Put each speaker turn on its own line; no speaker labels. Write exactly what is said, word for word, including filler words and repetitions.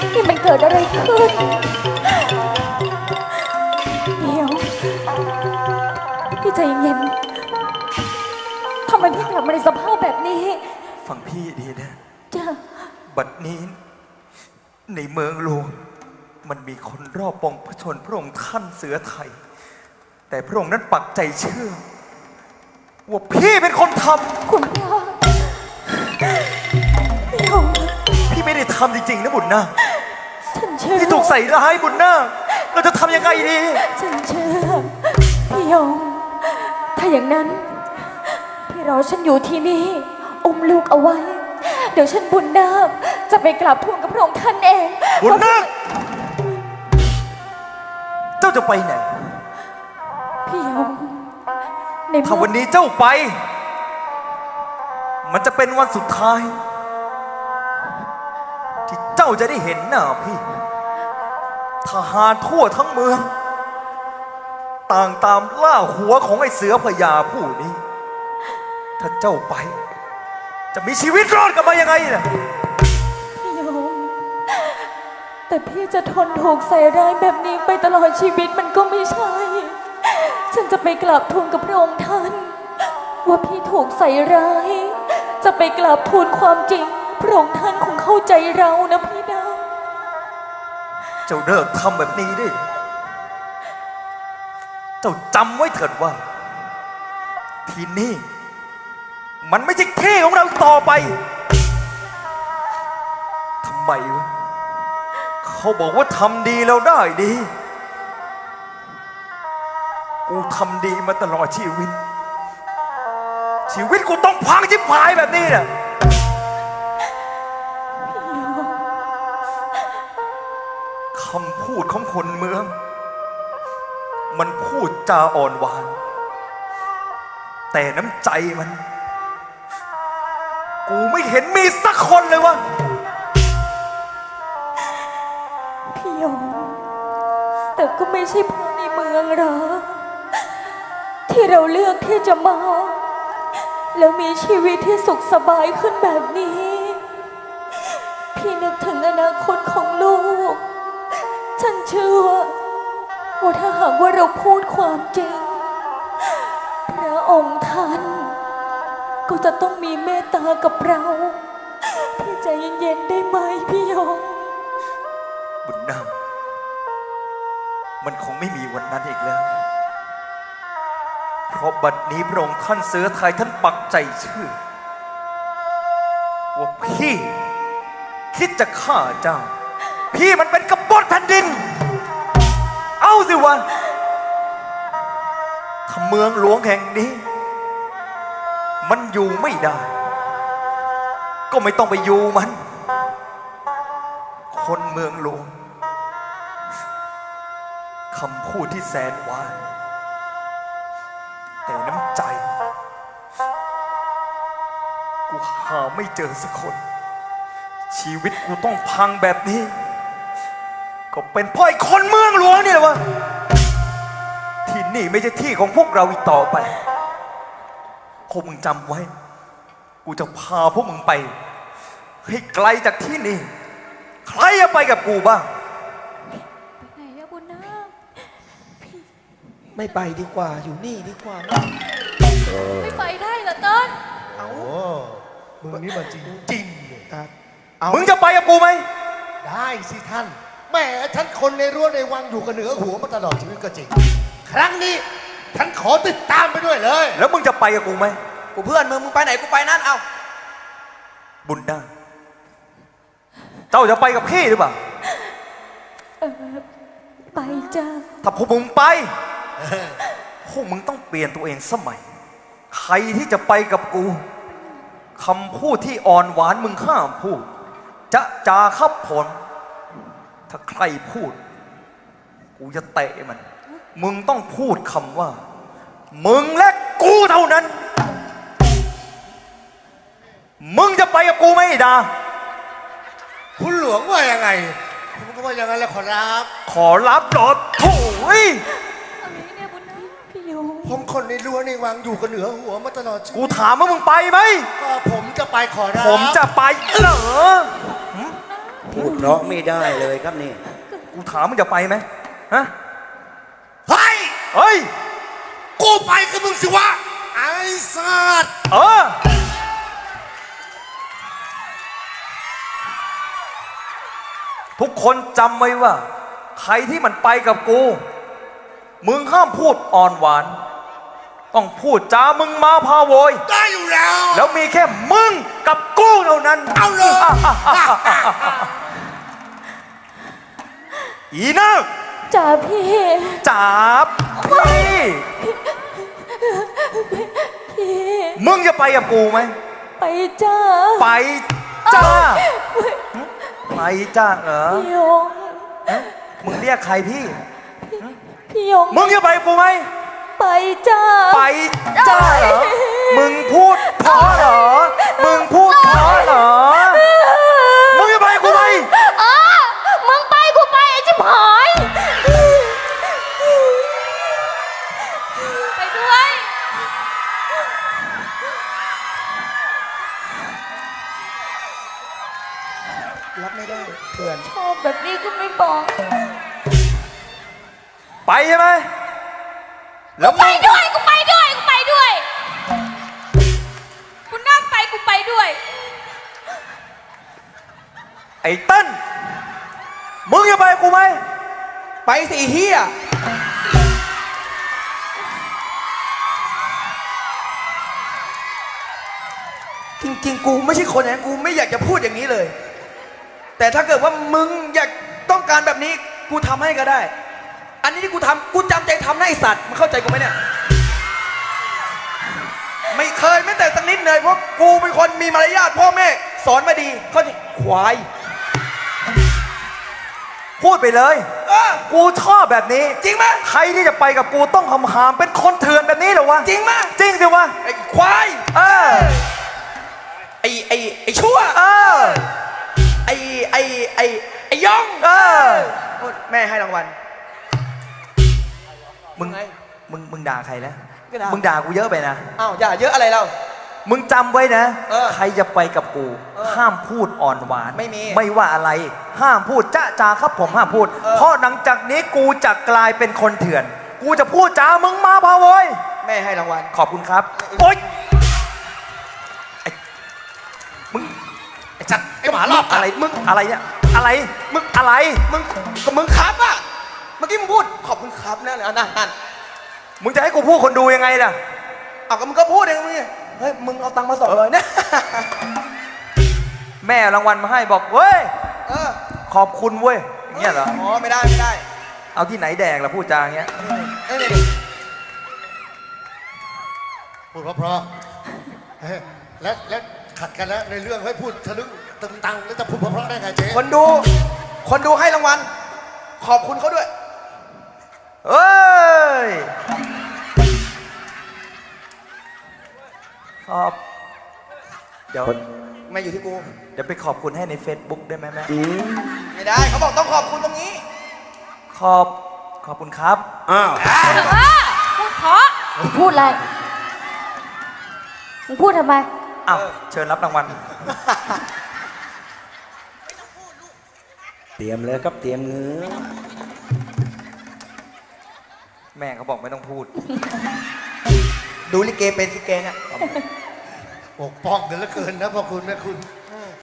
นี่มันเกิดอะไรขึ้นเดี๋ยวพี่ใจเย็นทำไมพี่กลับมาในสภาพแบบนี้
ฟังพี่ดีนะ
จ้า
บัดนี้ในเมืองหลวงมันมีคนรอบปองพระชนพระองค์ท่านเสือไทยแต่พระองค์นั้นปักใจเชื่อว่าพี่เป็นคนทำ
คุณพ่อพี่ยง
พี่ไม่ได้ทำจริงๆนะบุญนา
ฉันเชื่อ
พี่ถูกใส่ร้ายบุญนาเราจะทำยังไงดี
ฉันเชื่อพี่ยงถ้าอย่างนั้นพี่รอฉันอยู่ที่นี่อุ้มลูกเอาไว้เดี๋ยวฉันบุญนาคจะไปกราบทูลกับพระองค์ท่านเอง
บุญนาคเจ้าจะไปไหน
พี่ยง
ถ้าวันนี้เจ้าไปมันจะเป็นวันสุดท้ายที่เจ้าจะได้เห็นหน้าพี่ทหารทั่วทั้งเมืองต่างตามล่าหัวของไอ้เสือพญาผู้นี้ถ้าเจ้าไปจะมีชีวิตรอดกลับมายังไงน่ะ
พี่ยงแต่พี่จะทนถูกใส่ร้ายแบบนี้ไปตลอดชีวิตมันก็ไม่ใช่ฉันจะไปกราบทูลกับพระองค์ท่านว่าพี่ถูกใส่ร้ายจะไปกราบทูลความจริงพระองค์ท่านคงเข้าใจเรานะพี่นะ
เจ้าเลิกทำแบบนี้ดิเจ้าจำไว้เถิดว่าที่นี่มันไม่ใช่ที่ของเราต่อไปทำไมวะเขาบอกว่าทำดีแล้วได้ดีกูทำดีมาตลอดชีวิตชีวิตกูต้องพังชิบหายแบบนี้น่ะคำพูดของคนเมืองมันพูดจาอ่อนหวานแต่น้ำใจมันกูไม่เห็นมีสักคนเลยวะ
พี่ยงแต่ก็ไม่ใช่พวกในเมืองหรอที่เราเลือกที่จะมาแล้วมีชีวิตที่สุขสบายขึ้นแบบนี้พี่นึกถึงอนาคตของลูกฉันเชื่อว่าถ้าหากว่าเราพูดความจริงพระองค์ท่านก็จะต้องมีเมตตากับเราพี่ใจเย็นๆได้ไหมพี่ยง
บุญนำมันคงไม่มีวันนั้นอีกแล้วเพราะบัดนี้พระองค์ท่านเสือไทยท่านปักใจเชื่อว่าพี่คิดจะฆ่าเจ้าพี่มันเป็นกบฏแผ่นดินเอาสิวะถ้าเมืองหลวงแห่งนี้มันอยู่ไม่ได้ก็ไม่ต้องไปอยู่มันคนเมืองหลวงคำพูดที่แสนหวานแต่น้ำใจกูหาไม่เจอสักคนชีวิตกูต้องพังแบบนี้ก็เป็นเพราะไอ้คนเมืองหลวงนี่แหละวะที่นี่ไม่ใช่ที่ของพวกเราอีกต่อไปพวกมึงจำไว้กูจะพาพวกมึงไปให้ไกลจากที่นี่ใครจะไปกับกูบ้าง
ไปไหนอะบุญนาค
ไม่ไปดีกว่าอยู่นี่ดีกว่า
ไม่ไปได้เหรอต้น
เอามึงนี่มันจริงจริง
เลยมึงจะไปกับกูไหม
ได้สิท่านแม่ฉันคนในรั้วในวังอยู่กับเหนือหัวมาตลอดชีวิตก็จริงครั้งนี้ฉันขอติดตามไปด้วยเลย
แล้วมึงจะไปกับกูไหม
กูเพื่อนมึงมึงไปไหนกูไปนั่นเอา
บุญนาเจ้าจะไปกับพี่หรือเปล่า
เออไปจ้า
ถ้าพวกมึงไปพวกมึงต้องเปลี่ยนตัวเองสมัยใครที่จะไปกับกูคำพูดที่อ่อนหวานมึงห้ามพูดจะจาขับผลถ้าใครพูดกูจะเตะมันมึงต้องพูดคำว่ามึงและกูเท่านั้นมึงจะไปกับกูไหมดา
คุณหลวงว่ายังไงผมก็ว่าอย่างนั้นแหละขอรับ
ขอรับหรอโถ่
อะไรเนี่ยบุญนาคพี่ยง
ผมคนในรั้วในวังอยู่กับเหนือหัวมาตลอดชีวิต
กูถามว่ามึงไปไหม
ก็ผมจะไปขอรับ
ผมจะไปเหรอ
พูดเพราะไม่ได้เลยครับนี่
กูถามมึงจะไปไหมฮะ
เฮ้ย
เฮ้ย
กูไปกับมึงสิวะ ไอ้สัตว์
เออ ทุกคนจำไว้ว่า ใครที่มันไปกับกู มึงห้ามพูดอ่อนหวาน ต้องพูดจามึงมาพาโวย
ได้อยู่แล้ว
แล้วมีแค่มึงกับกูเท่านั้น
เอาเลย
อีนัก
จ่าพี่
จับพี่
พี่
มึงจะไปกับกูไหม
ไปจ้า
ไปจ้า ไปจ้าเหรอ
พี่ยง
มึงเรียกใครพี่
พี่ยง
มึงจะไปกับกูไหม
ไปจ้า
ไปจ้าเหรอ มึงพูดเพราะเหรอ มึงพูดเพราะเหรอ มึงจะไปกับกูไหม
อ้ามึงไปกูไปไอ้ชิบหาย ไปด้วย
รับไม่ได้เพื่อน
ชอบแบบนี้ก็ไม่บอก
ไปใช่ไหม แล้ว
ไป
มึง
ด้วยกูไปด้วยกูไปด้วยกูนั่งไปกูไปด้วย
ไอ้เต้น มึงจะไปกับกูไหม
ไปสิเฮียจริงๆ กูไม่ใช่คนอย่างนั้นกูไม่อยากจะพูดอย่างนี้เลย แต่ถ้าเกิดว่ามึงอยากต้องการแบบนี้กูทำให้ก็ได้ อันนี้ที่กูทำกูจำใจทำนะไอสัตว์มึงเข้าใจกูไหมเนี่ย ไม่เคยแม้แต่สักนิดเลยเพราะกูเป็นคนมีมารยาทพ่อแม่สอนมาดีเขาจะควาย
พูดไปเลย
เออ
กูชอบแบบนี้
จริงไหม
ใครที่จะไปกับกูต้องหำหามเป็นคนเถื่อนแบบนี้เหรอวะ
จริงไหม
จริงสิวะ
ไอ้ควาย
เออ
ไอ้ไอ้ไอ้ชั่ว
เออ
ไอ้ไอ้ไอ้ไอ้ย่อง
เออ
แม่ให้รางวัล
มึง
ไง
มึง มึงด่าใครนะ
ก็ด่ามึ
มึงด่ากูเยอะไปนะ
อ้าวอย่าเยอะอะไรเรา
มึงจำไว้นะ
เออ
ใครจะไปกับกู
เออ
ห้ามพูดอ่อนหวาน
ไม่มี
ไม่ว่าอะไร ห้ามพูดจ้าจาครับผมห้ามพูด
เออ
เพราะหลังจากนี้กูจะกลายเป็นคนเถื่อน กูจะพูดจามึงมาพาโวย
แม่ให้รางวัล
ขอบคุณครับ โอ๊ยไอ้มึง
ไอ้จัดไอ้หมารอบ
อะไร มึง อะไรเนี่ย อะไร มึง อะไร
มึงก็มึงครับอ่ะเมื่อกี้มึงพูดขอบคุณครับนั่นนั่นนั่น
มึงจะให้กูพูดคนดูยังไงล่ะ
เอาก็มึงก็พูดเองมึงเนี่ยเฮ้ยมึงเอาตังค์มาสองร้อยเนี่ย
แม่เอารางวัลมาให้บอกเว้ย
เออ
ขอบคุณเว้ยอย่างเงี้ยเหรอ
อ๋อไม่ได้ไม่ได้
เอาที่ไหนแดกล่ะพูดจาอย่างเงี้ย
นี่นี่
พูดเพราะๆเฮ้ยแล้วแล้วขัดกันแล้วในเรื่องให้พูดทะลึ่งตึงตังแล้วจะพูดเพราะๆได้ไงเจ๊
คนดู คนดูให้รางวัลขอบคุณเขาด้วย
เอ้ย ขอบ เดี๋ยว
ไม่อยู่ที่กู
เดี๋ยวไปขอบคุณให้ใน Facebook ได้ไหมแม่
ไม่ได้เขาบอกต้องขอบคุณตรงนี้
ขอบ ขอบคุณครับ
อ้าว
พูดเพราะพูดอะไร มึงพูดทำไม
อ้าว เชิญรับรางวัล
เตรียมเลยครับเตรียมเงื้อ
แม่เขาบอกไม่ต้องพูด
ดูลิเกเป็นสิเกเนี่ย
ปกป้องเดือดเหลือเกินนะพ่อคุณแม่คุณ